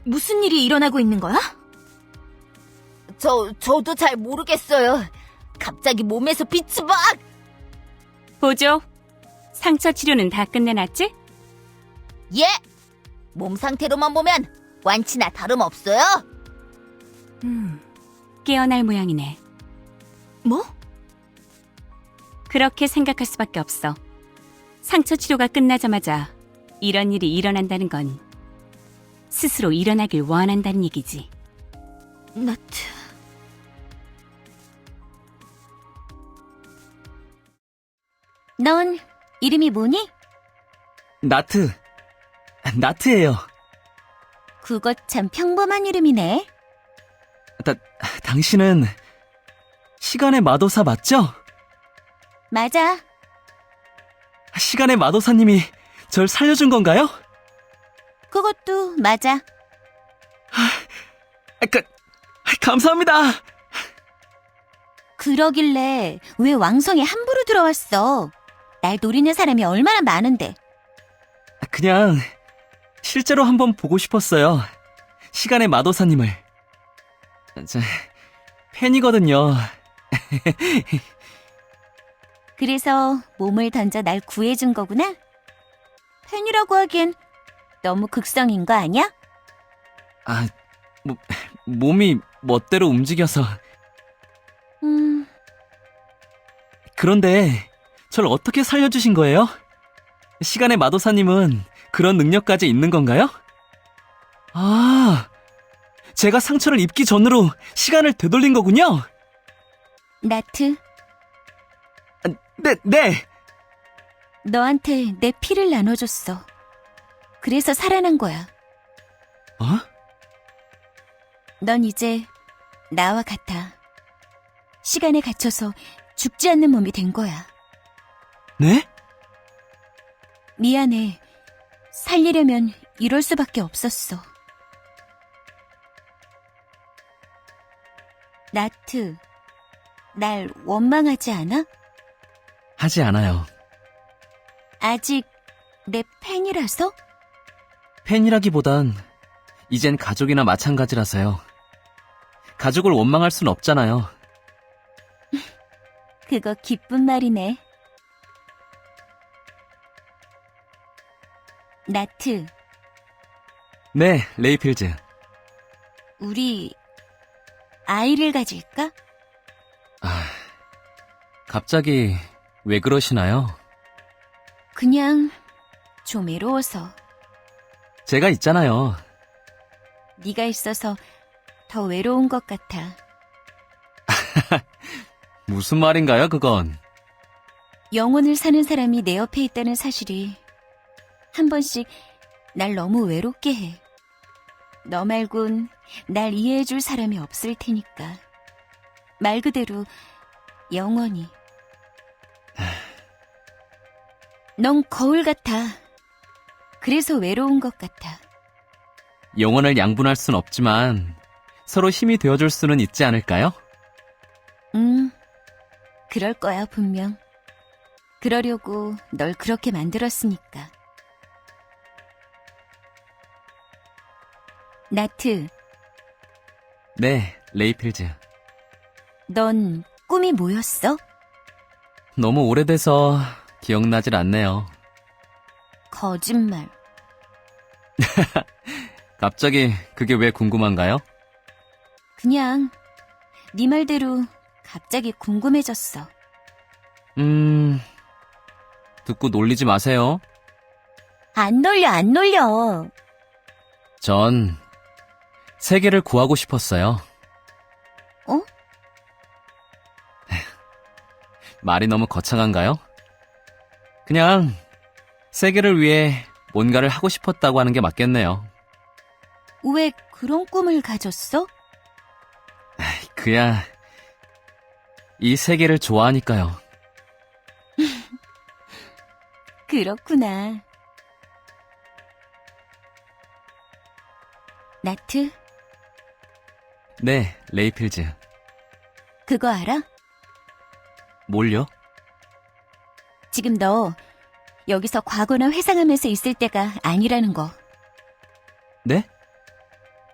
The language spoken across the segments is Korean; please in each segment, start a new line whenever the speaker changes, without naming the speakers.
무슨 일이 일어나고 있는 거야?
저도 잘 모르겠어요. 갑자기 몸에서 빛이 막!
보조, 상처 치료는 다 끝내놨지?
예! 몸 상태로만 보면 완치나 다름없어요.
깨어날 모양이네.
뭐?
그렇게 생각할 수밖에 없어. 상처 치료가 끝나자마자 이런 일이 일어난다는 건 스스로 일어나길 원한다는 얘기지.
나트. 넌 이름이 뭐니?
나트예요.
그거 참 평범한 이름이네.
당신은 시간의 마도사 맞죠?
맞아.
시간의 마도사님이 절 살려준 건가요?
그것도 맞아.
감사합니다.
그러길래 왜 왕성에 함부로 들어왔어? 날 노리는 사람이 얼마나 많은데.
그냥 실제로 한번 보고 싶었어요. 시간의 마도사님을. 팬이거든요.
그래서 몸을 던져 날 구해준 거구나? 팬이라고 하기엔 너무 극성인 거 아니야?
몸이 멋대로 움직여서. 그런데 절 어떻게 살려주신 거예요? 시간의 마도사님은 그런 능력까지 있는 건가요? 제가 상처를 입기 전으로 시간을 되돌린 거군요?
나트,
네.
너한테 내 피를 나눠줬어. 그래서 살아난 거야. 넌 이제 나와 같아. 시간에 갇혀서 죽지 않는 몸이 된 거야.
네?
미안해. 살리려면 이럴 수밖에 없었어. 나트, 날 원망하지 않아?
하지 않아요.
아직 내 팬이라서?
팬이라기보단 이젠 가족이나 마찬가지라서요. 가족을 원망할 순 없잖아요.
그거 기쁜 말이네. 나트,
네, 레이필즈.
우리 아이를 가질까?
갑자기 왜 그러시나요?
그냥 좀 외로워서.
제가 있잖아요.
네가 있어서 더 외로운 것 같아.
무슨 말인가요, 그건?
영혼을 사는 사람이 내 옆에 있다는 사실이 한 번씩 날 너무 외롭게 해. 너 말곤 날 이해해줄 사람이 없을 테니까. 말 그대로 영원히. 넌 거울 같아. 그래서 외로운 것 같아.
영혼을 양분할 순 없지만 서로 힘이 되어줄 수는 있지 않을까요?
그럴 거야, 분명. 그러려고 널 그렇게 만들었으니까. 나트,
네, 레이필즈.
넌 꿈이 뭐였어?
너무 오래돼서 기억나질 않네요.
거짓말.
갑자기 그게 왜 궁금한가요?
그냥 네 말대로 갑자기 궁금해졌어.
듣고 놀리지 마세요.
안 놀려.
전 세계를 구하고 싶었어요.
어?
말이 너무 거창한가요? 그냥 세계를 위해 뭔가를 하고 싶었다고 하는 게 맞겠네요.
왜 그런 꿈을 가졌어?
그야 이 세계를 좋아하니까요.
그렇구나. 나트,
네, 레이필즈.
그거 알아?
뭘요?
지금 너 여기서 과거나 회상하면서 있을 때가 아니라는 거.
네?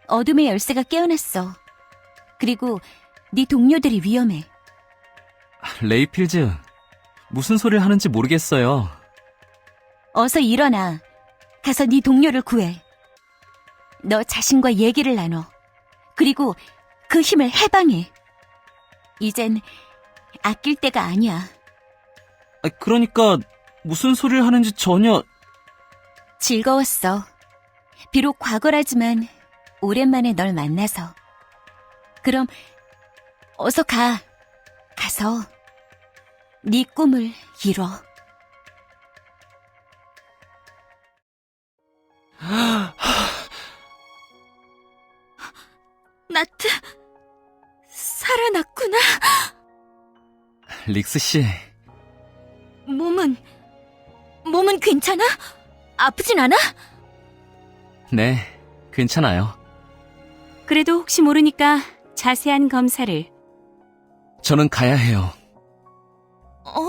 어둠의 열쇠가 깨어났어. 그리고 네 동료들이 위험해.
레이필즈, 무슨 소리를 하는지 모르겠어요.
어서 일어나. 가서 네 동료를 구해. 너 자신과 얘기를 나눠. 그리고 그 힘을 해방해. 이젠 아낄 때가 아니야.
그러니까 무슨 소리를 하는지 전혀...
즐거웠어. 비록 과거라지만 오랜만에 널 만나서. 그럼 어서 가. 가서 네 꿈을 이뤄.
나트, 살아났구나.
릭스 씨,
몸은 괜찮아? 아프진 않아?
네, 괜찮아요.
그래도 혹시 모르니까 자세한 검사를.
저는 가야 해요.
어?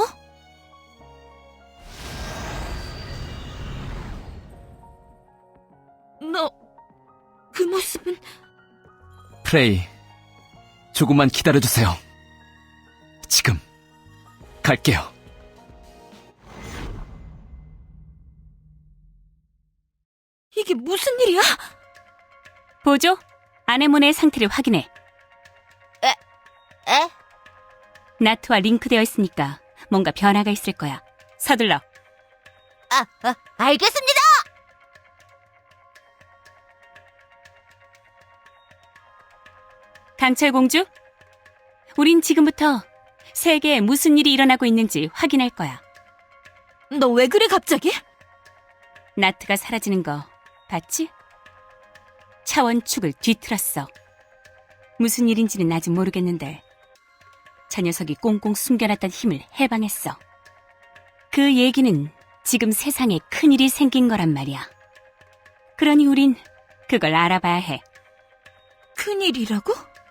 너, 그 모습은...
프레이, 조금만 기다려주세요. 지금 갈게요.
이게 무슨 일이야?
보조, 아네모네의 상태를 확인해.
에?
나트와 링크되어 있으니까 뭔가 변화가 있을 거야. 서둘러.
알겠습니다!
강철 공주, 우린 지금부터 세계에 무슨 일이 일어나고 있는지 확인할 거야.
너 왜 그래 갑자기?
나트가 사라지는 거 봤지? 차원축을 뒤틀었어. 무슨 일인지는 아직 모르겠는데 저 녀석이 꽁꽁 숨겨놨던 힘을 해방했어. 그 얘기는 지금 세상에 큰일이 생긴 거란 말이야. 그러니 우린 그걸 알아봐야 해.
큰일이라고?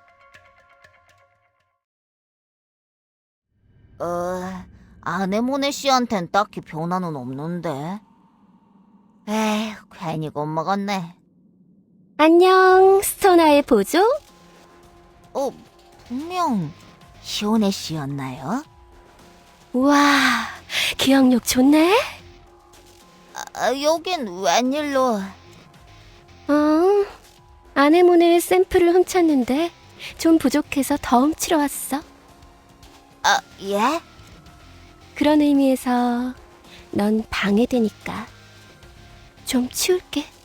아네모네 씨한텐 딱히 변화는 없는데. 에휴, 괜히 겁먹었네.
안녕, 스토나의 보조?
분명 시오네 씨였나요?
우와, 기억력 좋네?
여긴 웬일로?
아네모네의 샘플을 훔쳤는데 좀 부족해서 더 훔치러 왔어.
예?
그런 의미에서 넌 방해되니까 좀 치울게.